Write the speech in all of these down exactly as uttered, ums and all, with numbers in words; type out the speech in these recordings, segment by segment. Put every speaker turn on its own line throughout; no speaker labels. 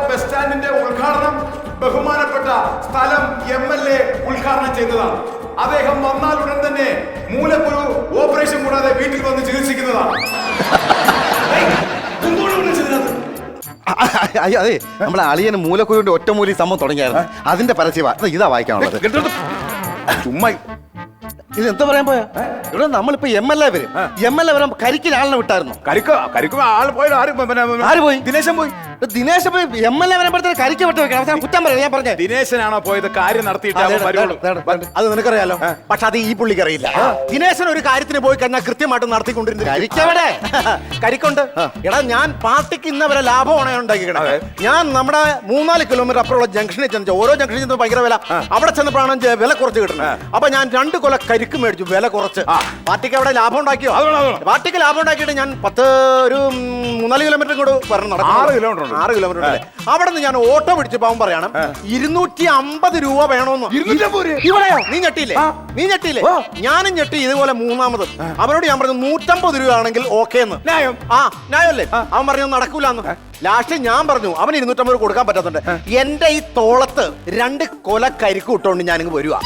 Bus സ്റ്റാൻഡിന്റെ ഉദ്ഘാടനം ബഹുമാനപ്പെട്ട സ്ഥലം എം എൽ എ ഉദ്ഘാടനം ചെയ്തതാണ്. അദ്ദേഹം വന്നാൽ ഉടൻ തന്നെ മൂലക്കുരു ഓപ്പറേഷൻ കൂടാതെ വീട്ടിൽ വന്ന് ചികിത്സിക്കുന്നതാണ്.
അതെ, നമ്മളെ അളിയന് മൂലക്കുരുവിന്റെ ഒറ്റമൂലി സംഭവം തുടങ്ങിയായിരുന്നു. അതിന്റെ പരസ്യമാ ഇതാ വായിക്കാനുള്ളത്.
ചുമ്മാ
ഇത് എന്താ പറയാൻ പോയാ ഇവിടെ നമ്മളിപ്പോ എം എൽ എ വരും. എം എൽ എ വരാൻ കരിക്കിന് ആളിനെ വിട്ടായിരുന്നു.
കരിക്ക കരിക്കുമ്പോ ആൾ പോയി
ആര് പോയി?
ദിനേശൻ പോയി.
ദിനേശ് എം എൽ എ വരുമ്പോഴത്തേക്ക് കരിക്ക് വിട്ട് വെക്കണം. കുറ്റം പറയാം. ഞാൻ പറഞ്ഞേ
ദിനേശനാണോ പോയത്? കാര്യം നടത്തിയിട്ട്
അത് നിനക്കറിയാലോ. പക്ഷെ അത് ഈ പുള്ളിക്ക് അറിയില്ല. ദിനേശൻ ഒരു കാര്യത്തിന് പോയി കഴിഞ്ഞാൽ കൃത്യമായിട്ട് നടത്തിക്കൊണ്ടിരുന്നു.
കരിക്കവിടെ
കരിക്കുണ്ട്. എടാ, ഞാൻ പാർട്ടിക്ക് ഇന്നവരെ ലാഭമാണ് ഉണ്ടാക്കിക്കണത്. ഞാൻ നമ്മുടെ മൂന്നാല് കിലോമീറ്റർ അപ്പുറമുള്ള ജംഗ്ഷനിൽ ചെന്ന് ഓരോ ജംഗ്ഷനിൽ ചെന്ന് ഭയങ്കര വില. അവിടെ ചെന്നപ്പോഴാണ് വില കുറച്ച് കിട്ടുന്നത്. അപ്പൊ ഞാൻ രണ്ട് കൊല കരിക്ക് മേടിച്ചു വില കുറച്ച്. പാർട്ടിക്ക് അവിടെ ലാഭം ഉണ്ടാക്കിയോ? പാർട്ടിക്ക് ലാഭം ഉണ്ടാക്കിയിട്ട് ഞാൻ പത്ത് ഒരു മൂന്നാല് കിലോമീറ്റർ കൂടെ വരണം. നടക്കും ആറ് കിലോമീറ്റർ ആറ് കിലോമീറ്റർ ഉണ്ട്. അവിടെ നിന്ന് ഞാൻ ഓട്ടോ പിടിച്ച് പോകാൻ പറയണം. ഇരുന്നൂറ്റി അമ്പത് രൂപ വേണോന്ന്. ഇവിടെയോ? നീ ഞെട്ടിയില്ലേ? നീ ഞെട്ടിയില്ലേ? ഞാനും ഞെട്ടി ഇതുപോലെ മൂന്നാമത്. അവനോട് ഞാൻ പറഞ്ഞു നൂറ്റമ്പത് രൂപ ആണെങ്കിൽ ഓക്കെ എന്ന്. ന്യായം. ആ ന്യായമല്ലേ? അവൻ പറഞ്ഞു നടക്കൂലെന്ന്. ലാസ്റ്റ് ഞാൻ പറഞ്ഞു അവന് ഇരുന്നൂറ്റമ്പത് കൊടുക്കാൻ പറ്റാത്തുണ്ട്. എന്റെ ഈ തോളത്ത് രണ്ട് കൊല കരിക്ക് ഇട്ടോണ്ട് ഞാനിങ്ങ് വരുവാ.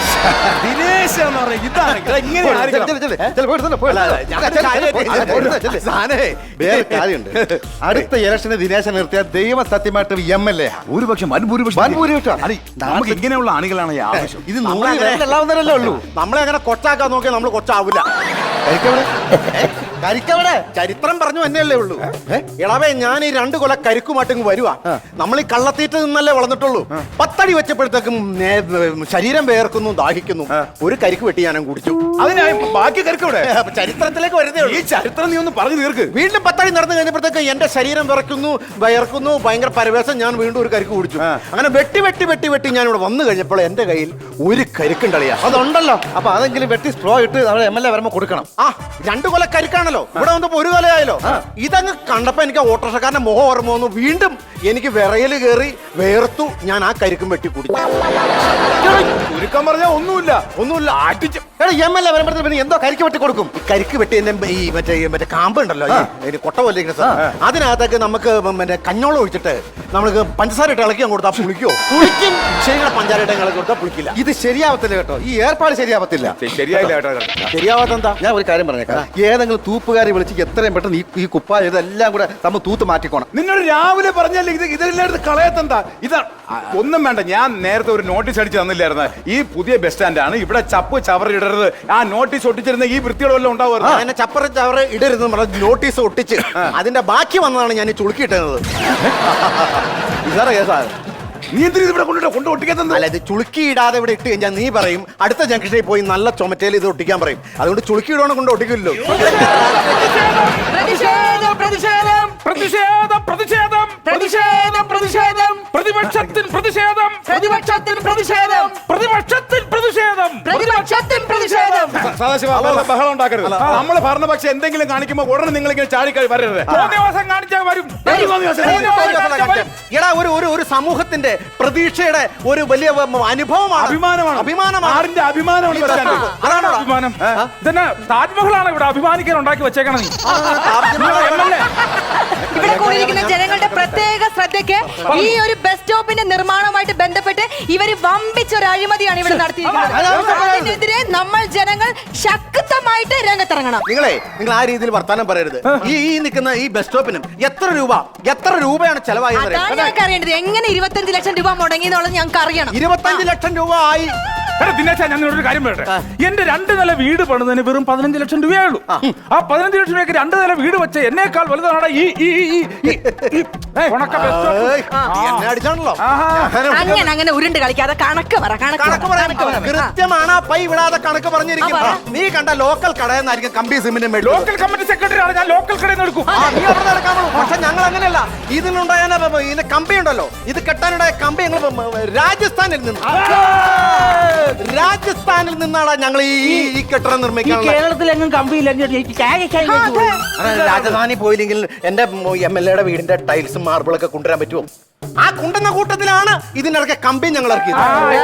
അടുത്ത ഇലക്ഷന് ദിനേശൻ നിർത്തിയ ദൈവ സത്യമായിട്ട് എം എൽ എ
ഭൂരിപക്ഷം നമുക്ക് ഇങ്ങനെയുള്ള ആളുകളാണ് ആവശ്യം.
ഇത് നൂറിലല്ലേ ഉള്ളൂ.
നമ്മളെ അങ്ങനെ കൊച്ചാക്കാൻ നോക്കിയാൽ നമ്മൾ കൊച്ചാവില്ല.
കരിക്കവിടെ
ചരിത്രം പറഞ്ഞു തന്നെയല്ലേ ഉള്ളൂ. ഇളവേ, ഞാൻ ഈ രണ്ട് കൊല കരിക്കുമാട്ടിങ് വരുവാ. നമ്മൾ ഈ കള്ളത്തീറ്റ് നിന്നല്ലേ വളർന്നിട്ടുള്ളൂ. പത്തടി വെച്ചപ്പോഴത്തേക്കും ശരീരം വേർക്കുന്നു, ദാഹിക്കുന്നു. ഒരു കരിക്ക് വെട്ടി ഞാനും കുടിച്ചു.
അതിന് ബാക്കി കരിക്കവിടെ
ചരിത്രത്തിലേക്ക് വരുന്നേ ഉള്ളൂ.
ഈ ചരിത്രം നീ ഒന്ന് പറഞ്ഞു തീർക്ക്.
വീണ്ടും പത്തടി നടന്നു കഴിഞ്ഞപ്പോഴത്തേക്ക് എന്റെ ശരീരം വിറയ്ക്കുന്നു, വയർക്കുന്നു, ഭയങ്കര പരവേശം. ഞാൻ വീണ്ടും ഒരു കരിക്ക് കുടിച്ചു. അങ്ങനെ വെട്ടി വെട്ടി വെട്ടി വെട്ടി ഞാൻ ഇവിടെ വന്നു കഴിഞ്ഞപ്പോൾ എന്റെ കയ്യിൽ ഒരു കരിക്കുണ്ടളിയാ.
അതുണ്ടല്ലോ. അപ്പൊ അതെങ്കിലും വെട്ടി സ്ട്രോ ഇട്ട് അവിടെ എം എൽ എ വരുമ്പോ കൊടുക്കണം.
ആ രണ്ട് കൊല കരിക്കാണല്ലോ. ഇവിടെ വന്നപ്പോ ഒരു കൊലയായല്ലോ. ഇതങ്ങ് കണ്ടപ്പോ എനിക്ക് ഓട്ടോറിക്ഷക്കാരന്റെ മുഖം ഓർമ്മ വന്നു. വീണ്ടും എനിക്ക് വിറയല് കയറി വേർത്തു. ഞാൻ ആ കരിക്കും വെട്ടി കുടിച്ചു.
ചുരുക്കം പറഞ്ഞാൽ ഒന്നുമില്ല ഒന്നുമില്ല ആട്ടിച്ച്
എം എൽ എ വരുമ്പോഴത്തേക്ക് എന്തോ കരിക്ക് വെട്ടി കൊടുക്കും.
കരിക്ക് വെട്ടി ഈ മറ്റേ മറ്റേ കാമ്പ് ഉണ്ടല്ലോ, കൊട്ട പോലെ അതിനകത്തേക്ക് നമുക്ക് മറ്റേ കഞ്ഞോളം ഒഴിച്ചിട്ട് നമുക്ക് പഞ്ചസാര ഇട്ട് ഇളക്കി കൊടുത്താൽ പുളിക്കോ? പുളിക്കും. ശരിയാണ്, പഞ്ചാര ഇട്ട് ഇളക്കി കൊടുത്താൽ പുളിക്കില്ല.
ഇത് ശരിയാവത്തില്ല കേട്ടോ. ഈ ഏർപ്പാട് ശരിയാവത്തില്ല.
ശരിയായില്ല കേട്ടോ.
ശരിയാവാത്തെന്താ?
ഞാൻ ഒരു കാര്യം പറഞ്ഞേക്കാം. ഏതെങ്കിലും തൂപ്പുകാരി വിളിച്ച് എത്രയും പെട്ടെന്ന് ഈ ഈ കുപ്പ ഇതെല്ലാം കൂടെ നമ്മൾ തൂത്ത് മാറ്റിക്കോണം.
നിന്നോട് രാവിലെ പറഞ്ഞല്ലേ ഇത് ഇതെല്ലാം എടുത്ത് കളയത്തെന്താ? ഇതാ ഒന്നും വേണ്ട. ഞാൻ നേരത്തെ ഒരു നോട്ടീസ് അടിച്ച് തന്നില്ലായിരുന്നു. ഈ പുതിയ ബസ് സ്റ്റാൻഡാണ്, ഇവിടെ ചപ്പ് ചവറ് ഇടരുത്. ആ നോട്ടീസ് ഒട്ടിച്ചിരുന്ന ഈ വൃത്തികളെല്ലാം ഉണ്ടാവുമായിരുന്നു.
അങ്ങനെ ചപ്പറ് ചവറ് ഇടരുത് നോട്ടീസ് ഒട്ടിച്ച് അതിന്റെ ബാക്കി വന്നതാണ് ഞാൻ ഈ ചുളുക്കിയിട്ടത്. ഇതാറേ കേസാണ്.
നീ എന്തിനാ ഇവിടെ കൊണ്ടിട്ട് കൊണ്ട് ഒട്ടിക്കാത്തത്?
അല്ല, ഇത് ചുളുക്കി ഇടാതെ ഇവിടെ ഇട്ട് കഴിഞ്ഞാൽ നീ പറയും അടുത്ത ജംഗ്ഷനിൽ പോയി നല്ല ചുമറ്റയിൽ ഇത് ഒട്ടിക്കാൻ പറയും. അതുകൊണ്ട് ചുളുക്കി ഇടണം കൊണ്ട് ഒട്ടിക്കില്ലല്ലോ.
പ്രതിഷേധം പ്രതിഷേധം പ്രതിഷേധം പ്രതിഷേധം പ്രതിഷേധം പ്രതിഷേധം പ്രതിപക്ഷത്തിൽ പ്രതിഷേധം പ്രതിപക്ഷത്തിൽ പ്രതിഷേധം പ്രതിപക്ഷത്തിൽ പ്രതിഷേധം പ്രതിപക്ഷത്തിൽ പ്രതിഷേധം.
സദാശിവ ബഹളം ഉണ്ടാക്കരുത്. നമ്മള് ഭരണപക്ഷം എന്തെങ്കിലും കാണിക്കുമ്പോൾ ഉടനെ നിങ്ങൾ ഇങ്ങനെ ചാടിക്കായി വരരുത്.
തോന്നിയവാസം കാണിച്ചാൽ വരും.
എടാ, ഒരു ഒരു ഒരു സമൂഹത്തിന്റെ പ്രതീക്ഷയുടെ ഒരു വലിയ അനുഭവമാണ്,
അഭിമാനമാണ്.
അഭിമാനമാണ്.
ആറിന്റെ അഭിമാനമാണ്.
അതാണ് അഭിമാനം. ഇതന്നെ താജ്മഹലാണ് ഇവിടെ അഭിമാനിക്കാൻ ഉണ്ടാക്കി വെച്ചേക്കണം. നീ
ഇവിടെ കൂടിയിരിക്കുന്ന ജനങ്ങളുടെ പ്രത്യേക ശ്രദ്ധയ്ക്ക് ഈ ഒരു ബസ് സ്റ്റോപ്പിന്റെ നിർമ്മാണവുമായിട്ട് ബന്ധപ്പെട്ട് ഇവര് വമ്പിച്ച ഒരു അഴിമതിയാണ് ഇവിടെ നടത്തിയിരിക്കുന്നത്. അതിനെതിരെ നമ്മൾ ജനങ്ങൾ ശക്തമായിട്ട് രംഗത്തിറങ്ങണം.
നിങ്ങളെ നിങ്ങൾ ആ രീതിയിൽ വർത്താനം പറയരുത്. ഈ ഈ നിൽക്കുന്ന ഈ ബസ് സ്റ്റോപ്പിനും എത്ര രൂപ എത്ര രൂപയാണ് ചെലവായത്?
അതാണ് ഞങ്ങൾക്ക് അറിയേണ്ടത്. എങ്ങനെ ഇരുപത്തഞ്ച് ലക്ഷം രൂപ മുടങ്ങിയെന്നുള്ളത് ഞങ്ങൾക്ക് അറിയണം.
ഇരുപത്തഞ്ച് ലക്ഷം രൂപ ആയി.
ദിനേശ, ഞാൻ നിന്നോടൊരു കാര്യം പറയട്ടെ. എന്റെ രണ്ട് നില വീട് പണിതിന് വെറും പതിനഞ്ച് ലക്ഷം രൂപയേ ഉള്ളൂ. ആ പതിനഞ്ച് ലക്ഷം രൂപയ്ക്ക് രണ്ട് നില വീട് വെച്ച എന്നേക്കാൾ വലുതാണ് ഈ
എന്നെ അടിച്ചാണല്ലോ.
അങ്ങനെ അങ്ങനെ ഉരുണ്ട് കളിക്കാതെ കണക്ക് പറ.
കണക്ക് പറയാൻ കൃത്യമാണ്. പൈ വിടാതെ കണക്ക് പറഞ്ഞിരിക്കും. നീ കണ്ട ലോക്കൽ കടയെന്നായിരിക്കും കമ്പി സിമെന്റ്.
ലോക്കൽ കമ്മിറ്റി സെക്രട്ടറി ആണ് ഞാൻ. ലോക്കൽ കടയിൽ നിന്ന് എടുക്കും.
പക്ഷെ ഞങ്ങൾ അങ്ങനെയല്ല. ഇതിനുണ്ടായ ഇതിന്റെ കമ്പി ഉണ്ടല്ലോ, ഇത് കെട്ടാനുണ്ടായ കമ്പി ഞങ്ങൾ രാജസ്ഥാനിൽ നിന്ന് രാജസ്ഥാനിൽ നിന്നാണ് ഞങ്ങൾ ഈ ഈ കെട്ടിടം
ഈ
നിർമ്മിക്കാനുള്ള
കേരളത്തിലെങ്ങും കമ്പിയില്ലെങ്കിൽ എനിക്ക് ചായ ചായ
ആ, അതെ.
അതെ, രാജധാനി പോയില്ലെങ്കിൽ എന്റെ എം എൽ എയുടെ വീടിന്റെ ടൈൽസും മാർബിളൊക്കെ കൊണ്ടുവരാൻ പറ്റുമോ? ആ കൊണ്ടുവന്ന കൂട്ടത്തിലാണ് ഇതിനിടയ്ക്ക് കമ്പി ഞങ്ങൾ ഇറക്കിയത്.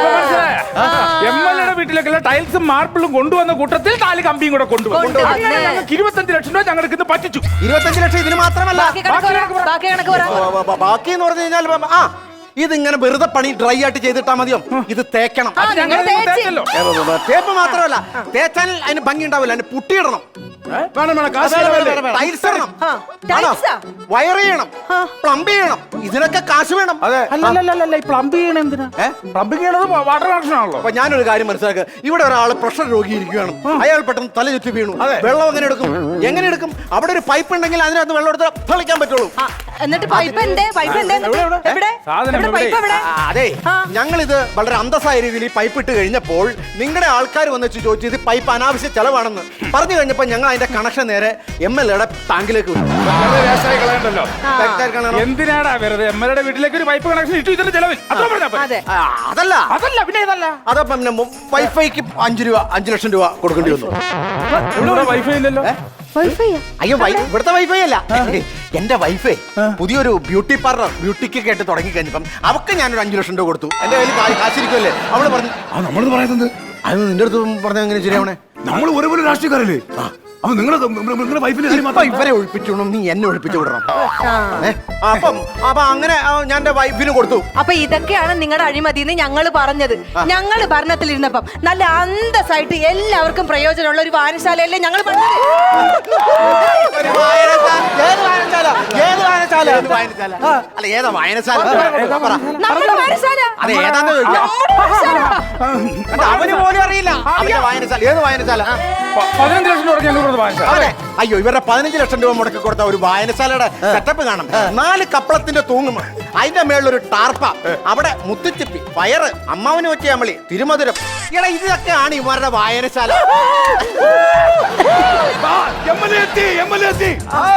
എം എൽ എയുടെ വീട്ടിലേക്കുള്ള ടൈൽസും മാർബിളും കൊണ്ടുവന്ന കൂട്ടത്തിൽ താലി കമ്പിയും കൂടെ കൊണ്ടുവന്നു
കൊണ്ടുവന്നു.
അങ്ങനെ ഞങ്ങൾക്ക് ഇരുപത്തഞ്ച് ലക്ഷം രൂപ ഞങ്ങൾക്ക് ഇന്ന് പറ്റിച്ചു.
ഇരുപത്തഞ്ച് ലക്ഷം ഇതിന് മാത്രമല്ല.
ബാക്കി കണക്ക് പറ, ബാക്കി കണക്ക് പറ.
ബ- ബ- ബ- ബാക്കി എന്ന് പറഞ്ഞു കഴിഞ്ഞാൽ ബ- ആ ഇതിങ്ങനെ വെറുതെ പണി ഡ്രൈ ആയിട്ട് ചെയ്തിട്ടാ മതിയോ? ഇത് തേക്കണം.
ആ,
ഞങ്ങൾ
നിങ്ങൾ തേച്ച്.
തേച്ചല്ലോ.
ഏ, ബ- ബ- തേപ്പ് മാത്രമല്ല, തേച്ചാൽ അതിന് ഭംഗി ഉണ്ടാവില്ല, അതിന് പുട്ടിയിടണം,
വേണം വേണം കാശ് ചെലവല്ലേ?
ടൈൽസ് ഇടണം,
ആ, ടൈൽസാ?
വയർ ചെയ്യണം, പ്ലംബ് ചെയ്യണം, ഇതിനൊക്കെ കാശ് വേണം.
അതെ.
അല്ലല്ലല്ല ഈ പ്ലംബ് ചെയ്യണ എന്തിനാ? പ്ലംബിംഗ് ചെയ്യണത് വാട്ടർ കണക്ഷൻ ആണല്ലോ.
അപ്പൊ ഞാനൊരു കാര്യം മനസ്സിലാക്കുക, ഇവിടെ ഒരാൾ പ്രഷർ രോഗി ഇരിക്കുകയാണ്, അയാൾ പെട്ടെന്ന് തല ചുറ്റി വീണു, വെള്ളം എങ്ങനെ എടുക്കും? എങ്ങനെ എടുക്കും? അവിടെ ഒരു പൈപ്പ് ഉണ്ടെങ്കിൽ അതിനകത്ത് വെള്ളം എടുത്ത് തളിക്കാൻ പറ്റുള്ളൂ.
ആ, എന്നിട്ട് പൈപ്പ് എന്തേ? പൈപ്പ് എന്തേ? എവിടെ?
സാധനം
എവിടെ
എവിടെ?
പൈപ്പ് എവിടെ?
ആ, അതെ,
ആ.
ഞങ്ങൾ ഇത് വളരെ അന്തസ്സായ രീതിയിൽ ഈ പൈപ്പ് ഇട്ട് കഴിഞ്ഞപ്പോൾ നിങ്ങളുടെ ആൾക്കാർ വന്ന് വെച്ച് ചോദിച്ചു ഇത് പൈപ്പ് അനാവശ്യ ചെലവാണെന്ന് പറഞ്ഞു കഴിഞ്ഞപ്പോൾ ഞങ്ങൾ അതിന്റെ കണക്ഷൻ നേരെ എം എൽ എയുടെ ടാങ്കിലേക്ക് വിട്ടു.
വെറുതെ വേസ്റ്റായി കളയണ്ടല്ലോ.
വ്യക്തമായി കാണണം.
എന്തിനാടാ വെറുതെ എം എൽ എയുടെ വീട്ടിലേക്ക് ഒരു പൈപ്പ് കണക്ഷൻ ഇട്ടു ഇതിന്റെ ചെലവിൽ? അത്ര പറഞ്ഞാ പോരെ?
അതെ.
ആ, അതല്ല
അതല്ല പിന്നെ ഇതല്ല.
അതപ്പം പിന്നെ മു- വൈഫൈക്ക് അഞ്ചു രൂപ അഞ്ചു ലക്ഷം രൂപ കൊടുക്കേണ്ടി വന്നു.
ഇവിടെ വൈഫൈ ഇല്ലല്ലോ.
വൈഫൈയാ?
അയ്യോ വൈ- ഇവിടുത്തെ വൈഫൈ അല്ല, എന്റെ വൈഫൈ പുതിയൊരു ബ്യൂട്ടി പാർലർ ബ്യൂട്ടിക്ക് കേട്ട് തുടങ്ങി കഴിഞ്ഞപ്പം അവക്ക് ഞാനൊരു അഞ്ചു ലക്ഷം രൂപ കൊടുത്തു. എന്റെ കയ്യിൽ കാ- കാശിരിക്കുമല്ലേ? അവള് പറഞ്ഞു
ആ നമ്മളിത് പറയുന്നത്
അത് നിന്റെ അടുത്ത് പറഞ്ഞ എങ്ങനെ ശരിയാവണേ?
നമ്മൾ ഒരേപോലെ രാഷ്ട്രീയക്കാരല്ലേ? അപ്പൊ നിങ്ങളെ നിങ്ങളുടെ വൈഫിന്റെ കാര്യം
ഇപ്പൊ
മാത്രം
ഇവരെ ഒഴിപ്പിച്ചോണം, നീ എന്നെ ഒഴിപ്പിച്ചു വിടണം.
ആ.
ഏ? അപ്പം അപ്പൊ അങ്ങനെ ആ, ഞാൻ എന്റെ വൈഫിന് കൊടുത്തു.
അപ്പൊ ഇതൊക്കെയാണ് നിങ്ങളുടെ അഴിമതി എന്ന് ഞങ്ങള് പറഞ്ഞത്. ഞങ്ങള് ഭരണത്തിലിരുന്നപ്പം നല്ല അന്തസ്സായിട്ട് എല്ലാവർക്കും പ്രയോജനമുള്ള ഒരു വായനശാലയല്ലേ ഞങ്ങൾ പറഞ്ഞത്.
ഒരു വായനശാല. ഏത് വായനശാല? ഏത് വായനശാല? ഏത് വായനശാല? അല്ല ഏതാ വായനശാല? പറ.
നമ്മുടെ വായനശാല.
അത് ഏതാന്ന് ചോദിക്കാം.
നമ്മുടെ വായനശാല.
കണ്ടോ, അവന് പോലും അറിയില്ല അവന്റെ വായനശാല. ഏത് വായനശാല?
പ- പതിനഞ്ച് ലക്ഷം രൂപ ഞങ്ങൾ കൊടുത്ത് വാങ്ങിച്ചു.
അതെ. അയ്യോ ഇവരുടെ പതിനഞ്ച് ലക്ഷം രൂപ മുടക്കി കൊടുത്ത ഒരു വായനശാലയുടെ സെറ്റപ്പ് കാണാം. നാല് കപ്പളത്തിന്റെ തൂങ്ങും, അതിന്റെ മേളിലൊരു ടാർപ്പ, അവിടെ മുത്തുച്ചിപ്പി, പയറ്, അമ്മാവന് വെച്ച അമളി, തിരുമധുരം. ഇടാ ഇതൊക്കെയാണ് ഇവരുടെ വായനശാല.
എം എൽ എ എത്തി, എം എൽ എ എത്തി.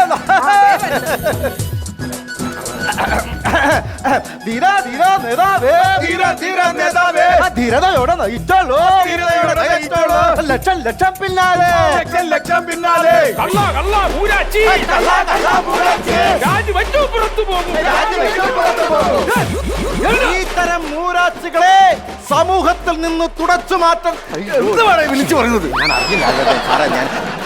ധീര, ധീര, നേതാവേ.
ധീര, ധീര, നേതാവേ.
ആ, ധീരതയോടെ നയിച്ചോളൂ.
ധീരതയോടെ നയിച്ചോളൂ.
ലക്ഷം ലക്ഷം പിന്നാലെ.
ലക്ഷം ലക്ഷം പിന്നാലെ.
കള്ള കള്ള മൂരാച്ചി
കള്ളാ, കള്ളാ, പൂരാച്ചി.
രാജി വച്ചു പുറത്തു പോകും.
ഇത്തരം മൂരാച്ചികളെ സമൂഹത്തിൽ നിന്ന് തുടച്ചു മാറ്റം.
എന്തുവാണ് ഈ വിളിച്ചു പറയുന്നത്?
ഞാൻ അറിയില്ല സാറേ, ഞാൻ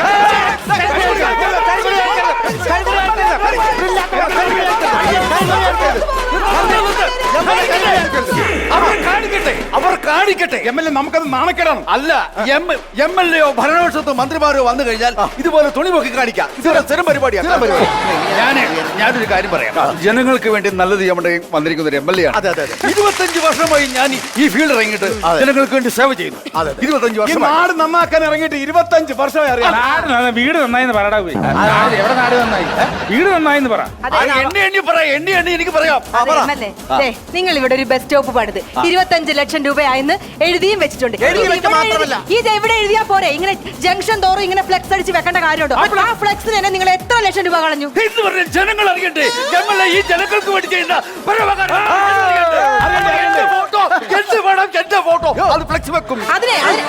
അവർ കാണിക്കട്ടെ, അവർ കാണിക്കട്ടെ. എം എൽ എ നമുക്കത് നാണക്കേടാണ്.
അല്ല എം എം എൽ എയോ ഭരണപക്ഷത്തോ മന്ത്രിമാരോ വന്നു കഴിഞ്ഞാൽ ഇതുപോലെ തുണി പൊക്കി കാണിക്കാം. ഇതൊരു സ്ഥിരം പരിപാടിയാണ്. ഞാൻ ഞാനൊരു കാര്യം പറയാം. ജനങ്ങൾക്ക് വേണ്ടി നല്ലത് ചെയ്യാൻ വേണ്ടി വന്നിരിക്കുന്ന ഒരു എം എൽ എ ആണ്.
അതെ, അതെ, അതെ.
ഇരുപത്തഞ്ച് വർഷമായി ഞാൻ ഈ- ഈ ഫീൽഡ് ഇറങ്ങിയിട്ട് ജനങ്ങൾക്ക് വേണ്ടി സേവ ചെയ്യുന്നു. ഇരുപത്തഞ്ച്
ഈ
വർഷമായി.
നാട് നന്നാക്കാൻ ഇറങ്ങിയിട്ട് ഇരുപത്തഞ്ച് വർഷമായി അറിയാം.
നാട് നന്നായി, വീട് നന്നായിന്ന് പറയടാ പോയി. നാട് എവിടെ നാട് നന്നായി? വീട് നന്നായിന്ന് പറ.
അതെ,
ആ, എണ്ണി എണ്ണി പറയാം, എണ്ണി എണ്ണി എനിക്ക് പറയാം.
അതെ, എം എൽ എ, ദേ, നിങ്ങൾ ഇവിടെ ഒരു ബസ് സ്റ്റോപ്പ് പണിത് ഇരുപത്തഞ്ച് ലക്ഷം രൂപയായെന്ന് എഴുതിയും വെച്ചിട്ടുണ്ട്.
എഴുതി
ഇത്
വെച്ച
ഇവിടെ
മാത്രമല്ല.
എഴുതി- ഇത് എവിടെ എഴുതിയാ പോരെ? ഇങ്ങനെ ജംഗ്ഷൻ തോറും ഇങ്ങനെ ഫ്ലെക്സ് അടിച്ച് വെക്കേണ്ട കാര്യമുണ്ടോ? ആ ഫ്ലെക്സിന് തന്നെ നിങ്ങൾ എത്ര ലക്ഷം രൂപ കളഞ്ഞു?
എന്ന് പറഞ്ഞാൽ ജനങ്ങൾ അറിയട്ടെ, എം എൽ എ ഈ ജനങ്ങൾക്ക് വേണ്ടി ചെയ്യുന്ന പരോപകാരം അറിയട്ടെ. എന്റെ ഫോട്ടോ, എന്റെ വേണം, എന്റെ ഫോട്ടോ അത് ഫ്ലെക്സ് വെക്കും.
അതിനെ അതിന്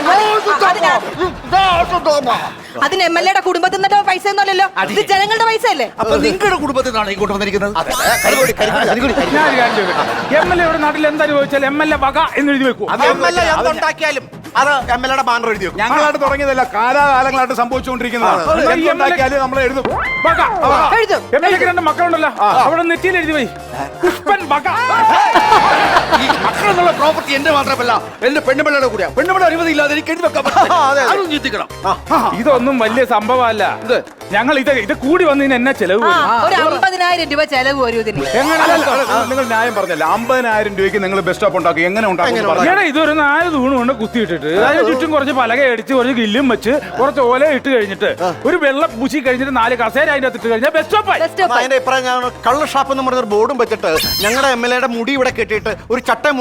അതിന് എം എൽ എയുടെ കുടുംബത്തിൽ നിന്നിട്ട് പൈസ ഒന്നുമല്ലല്ലോ, ഇത് ജനങ്ങളുടെ പൈസ അല്ലേ?
അപ്പൊ നിങ്ങളുടെ കുടുംബത്തിൽ നിന്നാണ് ഈ കൊണ്ടുവന്നിരിക്കുന്നത്.
ഞാൻ ഒരു കാര്യം ചോദിക്കട്ടെ? എം എൽ എ ഇവിടെ നാട്ടിൽ എന്തായാലും എം എൽ എ വക എന്ന് എഴുതി വെക്കൂ.
എം എൽ എ എന്തുണ്ടാക്കിയാലും അത് എം എൽ എയുടെ ബാനർ എഴുതി വെക്കും.
ഞങ്ങളായിട്ട് തുടങ്ങിയതല്ല, കാലാകാലങ്ങളായിട്ട് സംഭവിച്ചുകൊണ്ടിരിക്കുന്നതാണ്. എന്തുണ്ടാക്കിയാലും നമ്മൾ എഴുതും.
വക
എഴുതും.
എം എൽ എക്ക് രണ്ട് മക്കളുണ്ടല്ലോ, അവിടെ നെറ്റിയിൽ എഴുതി പോയി പുഷ്പൻ വക.
ഈ മക്കളെന്നുള്ള പ്രോപ്പർട്ടി എന്റെ മാത്രമല്ല, എന്റെ പെണ്ണുപിള്ളയുടെ കൂടെയാ. പെണ്ണുപിള്ള അനുമതി ഇല്ലാതെ എനിക്ക് എഴുതി വെക്കാൻ പറ്റില്ല. അതും ചിന്തിക്കണം.
ഇതൊന്നും വലിയ സംഭവമല്ല. ഞങ്ങൾ ഇത് ഇത് കൂടി വന്നതിന് എന്നാ ചെലവ്
ആ,
വരും?
ഒരു അമ്പതിനായിരം രൂപ ചെലവ് വരും ഇതിന്.
എങ്ങനെ
അല്ലല്ല, അല്ല, നിങ്ങൾ ന്യായം പറഞ്ഞല്ല. അമ്പതിനായിരം രൂപയ്ക്ക് നിങ്ങൾ ബസ് സ്റ്റോപ്പ് ഉണ്ടാക്കും. എങ്ങനെ ഉണ്ടാക്കും?
എടാ, ഇതൊരു നാല് തൂണ് കൊണ്ട് കുത്തിയിട്ടിട്ട് അതിന് ചുറ്റും കുറച്ച് പലക അടിച്ച് കുറച്ച് ഗില്ലും വെച്ച് കുറച്ച് ഓല ഇട്ട് കഴിഞ്ഞിട്ട് ഒരു വെള്ളം പൂശി കഴിഞ്ഞിട്ട് നാല് കസേര അതിന്റെ അകത്ത് ഇട്ട് കഴിഞ്ഞാൽ ബസ് സ്റ്റോപ്പായി.
Bus stop.
അതിന്റെ ഇപ്പറ ഞാൻ കള്ള് ഷാപ്പ് എന്ന് പറഞ്ഞൊരു ബോർഡും വെച്ചിട്ട് ഞങ്ങളുടെ എം എൽ എയുടെ മുടി ഇവിടെ കെട്ടിയിട്ട് ഒരു ചട്ടയും മുണ്ട് കൊടുത്തിട്ട്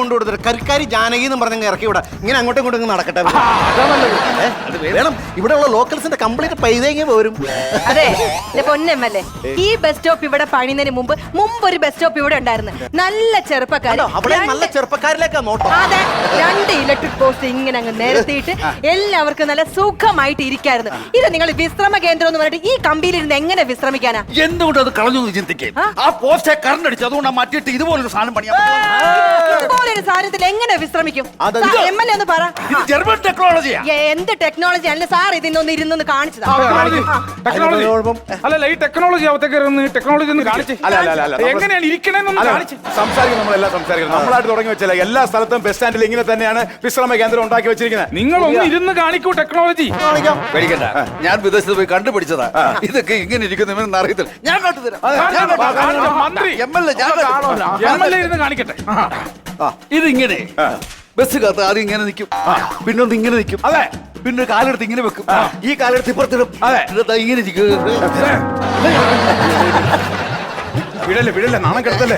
കരിക്കാരി ജാനകി എന്ന് പറഞ്ഞ ഇറക്കി വിടാം. ഇങ്ങനെ അങ്ങോട്ടും ഇങ്ങോട്ടും ഇങ്ങ് നടക്കട്ടെ. ഏ, അത് വേണം. ഇവിടെയുള്ള ലോക്കൽസിന്റെ കംപ്ലീറ്റ് പൈതേങ്ങ പോരും.
അതെ പൊന്നമ്മല്ലേ, ഈ ബസ് സ്റ്റോപ്പ് ഇവിടെ പണിയുന്നതിന് മുമ്പ് മുമ്പ് ഒരു ബസ് സ്റ്റോപ്പ് ഇവിടെ ഉണ്ടായിരുന്നു. നല്ല ചെറുപ്പക്കാർ
അവിടെ നല്ല ചെറുപ്പക്കാരിലേക്കാ നോട്ടം.
അതെ, രണ്ട് ഇലക്ട്രിക് പോസ്റ്റ് ഇങ്ങനെ അങ്ങ് നിരത്തിയിട്ട് എല്ലാവർക്കും നല്ല സുഖമായിട്ട് ഇരിക്കായിരുന്നു. ഇത് നിങ്ങൾ വിശ്രമ കേന്ദ്രം എന്ന് പറഞ്ഞിട്ട് ഈ കമ്പിയിലിരുന്ന് എങ്ങനെ വിശ്രമിക്കാനാ?
എന്തുകൊണ്ട് അത് കളഞ്ഞു എന്ന് ചിന്തിക്കും. ആ പോസ്റ്റെ കറണ്ട് അടിച്ചു, അതുകൊണ്ട് മാറ്റിയിട്ട് ഇതുപോലൊരു സാധനം പണിയാൻ
ഇതുപോലൊരു സാധനത്തിൽ എങ്ങനെ വിശ്രമിക്കും? എം എൽ എ ഒന്ന് പറ.
ജർമ്മൻ ടെക്നോളജിയാ.
എന്ത് ടെക്നോളജി അല്ല സാർ, ഇതിന്നൊന്ന് ഇരുന്നൊന്ന് കാണിച്ചതാ.
ടെക്നോളജി അല്ലല്ല, ഈ ടെക്നോളജി അവത്തേക്ക് ടെക്നോളജി ഒന്ന് കാണിച്ച്
അല്ല അല്ല അല്ല
എങ്ങനെയാണ് ഇരിക്കണെന്നൊന്ന് കാണിച്ച്
സംസാരിക്കും. നമ്മളെല്ലാം സംസാരിക്കണം. നമ്മളായിട്ട് തുടങ്ങി വെച്ചല്ലേ എല്ലാ സ്ഥലത്തും ബസ് സ്റ്റാൻഡിൽ ഇങ്ങനെ തന്നെയാണ് വിശ്രമ കേന്ദ്രം ഉണ്ടാക്കി വെച്ചിരിക്കുന്നത്.
നിങ്ങൾ ഒന്ന് ഇരുന്ന് കാണിക്കൂ ടെക്നോളജി.
പേടിക്കണ്ട, ഞാൻ വിദേശത്ത് പോയി കണ്ടുപിടിച്ചതാ. ഇതൊക്കെ ഇങ്ങനെ ഇരിക്കുന്ന അറിയത്തില്ല. ഞാൻ കാട്ടുതരാം.
മന്ത്രി
എം എൽ എ ഞാൻ
എം എൽ എ ഇരുന്ന് കാണിക്കട്ടെ.
ഇതിങ്ങനെ ബസ് കാത്ത് ആദ്യം ഇങ്ങനെ നിൽക്കും, പിന്നെ ഒന്ന് ഇങ്ങനെ നിൽക്കും.
അതെ,
പിന്നെ ഒരു കാലെടുത്ത് ഇങ്ങനെ വെക്കും, ഈ കാലെടുത്ത് ഇപ്പുറത്തിടും.
അതെ,
ഇങ്ങനെ ഇരിക്കും.
വിടല്ലേ വിടല്ലേ, നാണം കെടുത്തല്ലേ.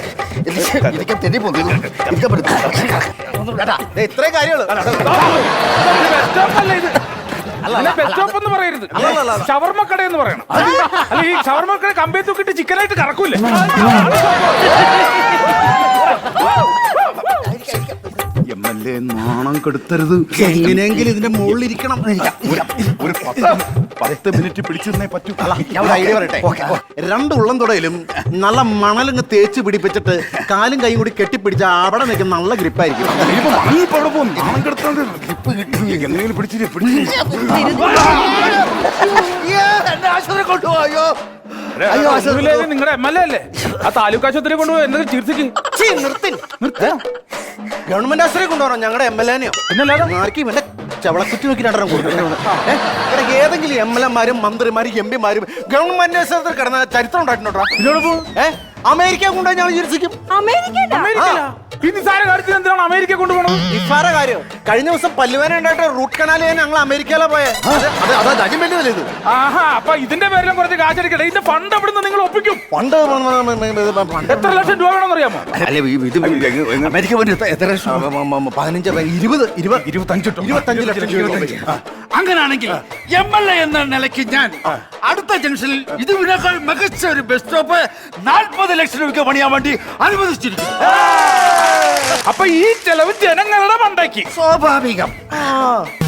ഇത്രയും കാര്യങ്ങള്
ബസ് സ്റ്റോപ്പ് എന്ന് പറയരുത്, ഷവർമ്മ കട എന്ന് പറയണം. അല്ല, ഈ ഷവർമ്മ കട കമ്പേ തൂക്കിട്ട് ചിക്കനായിട്ട് കറക്കൂലേ?
എം എൽ എ നാണം കെടുത്തരുത്.
എങ്ങനെയെങ്കിലും ഇതിന്റെ മുകളിൽ ഇരിക്കണം.
ഒരു പത്ത് പത്ത് മിനിറ്റ് പിടിച്ചിരുന്നേ പറ്റൂ.
ഞാൻ ഒരു ഐഡിയ പറയട്ടെ. രണ്ട് ഉള്ളം തുടയിലും നല്ല മണലിങ്ങ് തേച്ച് പിടിപ്പിച്ചിട്ട് കാലും കൈയും കൂടി കെട്ടിപ്പിടിച്ച അവിടെ നിൽക്കുന്ന നല്ല ഗ്രിപ്പായിരിക്കും.
നാണം കെടുത്തോണ്ട് ഗ്രിപ്പ് കിട്ടി. എങ്ങനെയെങ്കിലും പിടിച്ചിട്ട് പിടിച്ചിട്ട്
കൊണ്ടുപോയോ?
നിങ്ങളുടെ എം എൽ എ അല്ലേ? ആ താലൂക്ക് ആശുപത്രി കൊണ്ടുപോയി എന്തെങ്കിലും ചികിത്സിക്ക്.
ഗവൺമെന്റ് ആശുപത്രി കൊണ്ടുപോകണം ഞങ്ങളുടെ എം എൽ എനെയോ.
പിന്നല്ലാതെ
ആർക്കും എന്റെ ചവളക്കുറ്റി നോക്കി രണ്ടെണ്ണം കൊടുക്കണം. ഏതെങ്കിലും എം എൽ എമാരും മന്ത്രിമാരും എം പിമാരും ഗവൺമെന്റ് ആശുപത്രി കിടന്ന ചരിത്രം ഉണ്ടായിട്ടുണ്ടോ? ഏഹ് അമേരിക്ക കൊണ്ടുപോയി ഞങ്ങൾ ചികിത്സിക്കും.
ഈ നിസാര കാര്യത്തിൽ എന്തിനാണ് അമേരിക്ക കൊണ്ടുപോകണം?
നിസ്സാര കാര്യം. കഴിഞ്ഞ ദിവസം പല്ലുവേന ഉണ്ടായിട്ട് റൂട്ട് കനാൽ ചെയ്യാൻ ഞങ്ങൾ അമേരിക്കയിലെ പോയെ. അതാ ജഡ്ജ്മെന്റ് ഇത്.
ആഹാ, അപ്പൊ ഇതിന്റെ പേരിലും കുറച്ച് കാശടിക്കട്ടെ. ഇതിന്റെ ഫണ്ട് എവിടുന്ന് നിങ്ങൾ ഒപ്പിക്കും?
പണ്ട്
എത്ര ലക്ഷം രൂപ വേണമെന്ന് അറിയാമോ?
അമേരിക്ക പോയി എത്ര
പതിനഞ്ച് ഇരുപത് ഇരുപത്
ഇരുപത്തഞ്ച്
ഇരുപത്തഞ്ച് ലക്ഷം രൂപ.
അങ്ങനാണെങ്കിൽ എം എൽ എ എന്ന നിലയ്ക്ക് ഞാൻ അടുത്ത ജംഗ്ഷനിൽ ഇതിനേക്കാൾ മികച്ച ഒരു ബസ് സ്റ്റോപ്പ് നാൽപ്പത് ലക്ഷം രൂപയ്ക്ക് പണിയാൻ വേണ്ടി അനുവദിച്ചിരിക്കുന്നു.
അപ്പൊ ഈ ചെലവ് ജനങ്ങളുടെ മണ്ടയ്ക്ക്
സ്വാഭാവികം.